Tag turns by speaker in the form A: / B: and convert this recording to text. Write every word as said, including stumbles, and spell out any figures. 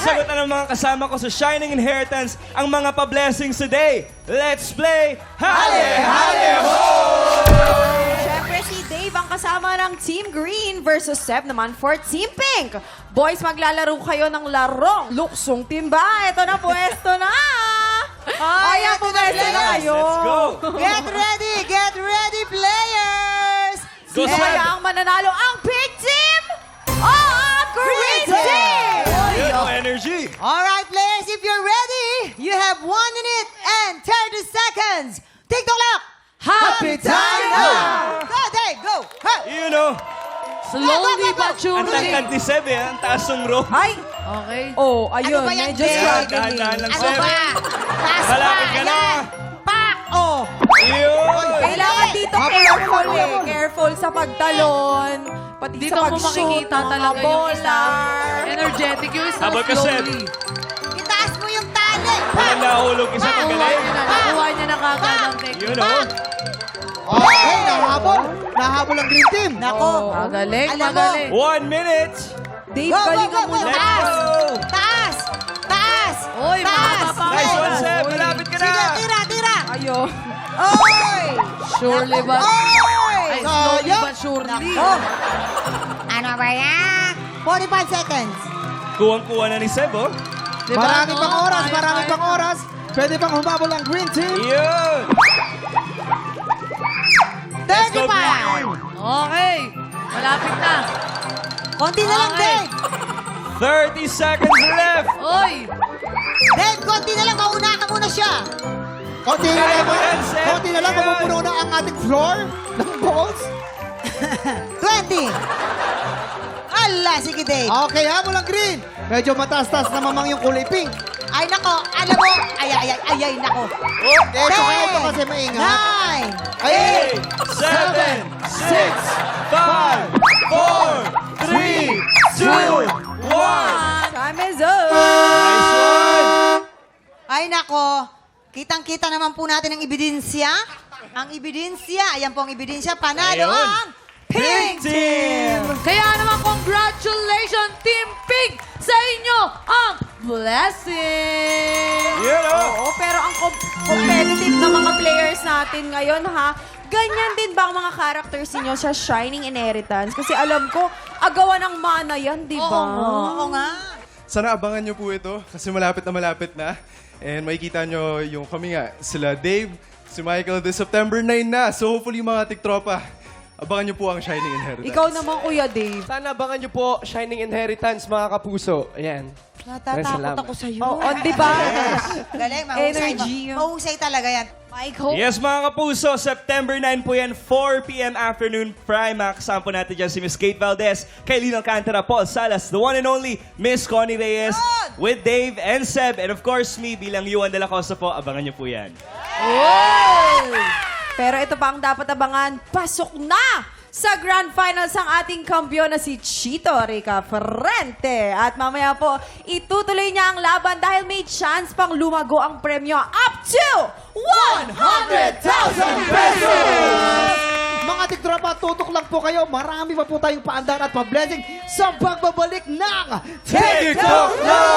A: Sasagot na ng mga kasama ko sa Shining Inheritance ang mga pa-blessings today. Let's play Hale Hale Ho!
B: Siyempre si Dave ang kasama ng Team Green versus Seb naman for Team Pink. Boys, maglalaro kayo ng larong luksong timba. Ito na, pwesto na! Ay, ang pwesto na kayo.
A: Let's go!
C: Get ready! Get ready, players!
A: Go, Seb!
B: Kaya ang mananalo ang Pink Team o ang Green Team!
A: Yun, oh, energy!
C: Alright, players, if you're ready, you have one minute and thirty seconds. TikTok clock!
B: Happy time na!
C: Go, Dave, go! Ha!
A: You know,
D: Slowly but
A: ang
D: surely.
A: tangkad ni Seb eh, ang taas ng rope.
B: Ay!
D: Okay.
B: Oh, ayun.
C: Ano ba yan,
B: medyo
C: Dave?
B: struggling.
A: Dahan-dahan lang,
C: Ano
A: Seb.
C: ba? Taas
A: Malapit ka na.
C: Pak! Oh!
A: Yun!
B: Kailangan dito careful eh. Careful sa pagtalon. Pati
D: Dito
B: sa
D: mo
B: pag-shoot.
D: makikita
B: mga
D: talaga yung isa.
B: bola.
D: Energetic yung isa.
A: Habol ka, Seb.
D: Slowly.
C: Itaas mo yung tali!
A: Walang nahulog isa ng
D: Nakuha
A: galing.
D: niya na. Nakuha niya na kagad ang
A: Yun
D: technique.
A: oh.
E: Okay, nahabol. Nahabol ang green team.
C: Nako!
D: Magaling,
C: Alam mo,
D: magaling.
A: One minute!
B: Dave,
C: Go, go,
B: galingan
C: go,
B: mo
C: go.
B: na.
A: Let's
C: Taas!
A: go!
C: Taas! Taas!
D: Oy, mga
C: Taas!
D: kapatid.
A: Nice one,
C: Oy.
A: Seb! Malapit ka na!
C: Sige, tira, tira!
B: Ayo.
C: Oy!
D: Surely but...
C: Oy!
D: Ay, slowly
E: Sayang.
D: but surely.
C: Oh! Ano ba yan? forty-five seconds.
A: Kuwang-kuwa na ni Seb, oh.
D: Diba,
E: Marami
D: no?
E: pang oras,
D: Kaya,
E: marami
D: kaya.
E: pang oras. Pwede pang humabol ang green team.
A: Yun! Let's go,
C: thirty-five.
D: Okay. Malapit na.
C: Konti na lang,
D: Okay.
C: Dave.
A: thirty seconds left!
D: Oy.
C: Dave, konti na lang. Mauna ka muna siya.
E: Konti na
A: Kaya
E: lang.
A: mo yan, Seb.
E: Konti na lang.
A: Yan.
E: Mapupuno na ang ating floor ng balls.
C: twenty. Ala, sige, Dave.
E: Okay, habol ang green. Medyo mataas-taas na mamang yung kulay pink.
C: Ay, nako. Alam mo. Ay, ay, ay, ay, ay, nako.
E: Okay, so kaya ito kasi maingat.
C: Nine.
A: eight, seven, six, five, four, three, two, one.
B: Time is up.
A: Nice one!
C: Ay, nako. Kitang-kita naman po natin ang ebidensya. Ang ebidensya. Ayan po ang ebidensya. Panalo
A: Ayun.
C: ang
A: Pink Team!
D: Kaya naman, congratulations, Team Pink, sa inyo ang blessing.
A: Yun, oh.
B: Oo, pero ang com- competitive na mga players natin ngayon, ha? Ganyan din ba ang mga characters niyo sa Shining Inheritance? Kasi alam ko, agawan ng mana yan, di ba?
C: Oo, oo nga.
F: Sana abangan nyo po ito kasi malapit na malapit na. And makikita nyo yung kami nga, sila Dave, si Michael, this September nine na. So hopefully mga tiktropa, abangan nyo po ang Shining Inheritance.
B: Ikaw naman, Kuya Dave.
G: Sana abangan nyo po Shining Inheritance, mga kapuso. Ayan.
C: Natatakot
G: Salamat.
C: ako sa'yo.
B: Oo, oh, di ba?
C: Galing, mahusay.
B: Energy.
C: Mahusay talaga yan.
B: Mike, hope.
A: Yes, mga kapuso, September nine po yan, four p m afternoon prime. Kasama po natin dyan si Miss Kate Valdez, Kailin Alcantara, Paul Salas, the one and only Miss Connie Reyes,
C: Good!
A: with Dave and Seb, and of course me bilang Yuan de la Costa po. Abangan nyo po yan.
B: Pero ito pa ang dapat abangan, pasok na sa Grand Finals ang ating kampiyon na si Chito Rica Ferrente. At mamaya po, itutuloy niya ang laban dahil may chance pang lumago ang premyo up to one hundred thousand pesos!
E: Mga tiktropa, tutok lang po kayo. Marami pa po tayong paandar at pa-blessing sa pagbabalik ng
A: TikTok Live!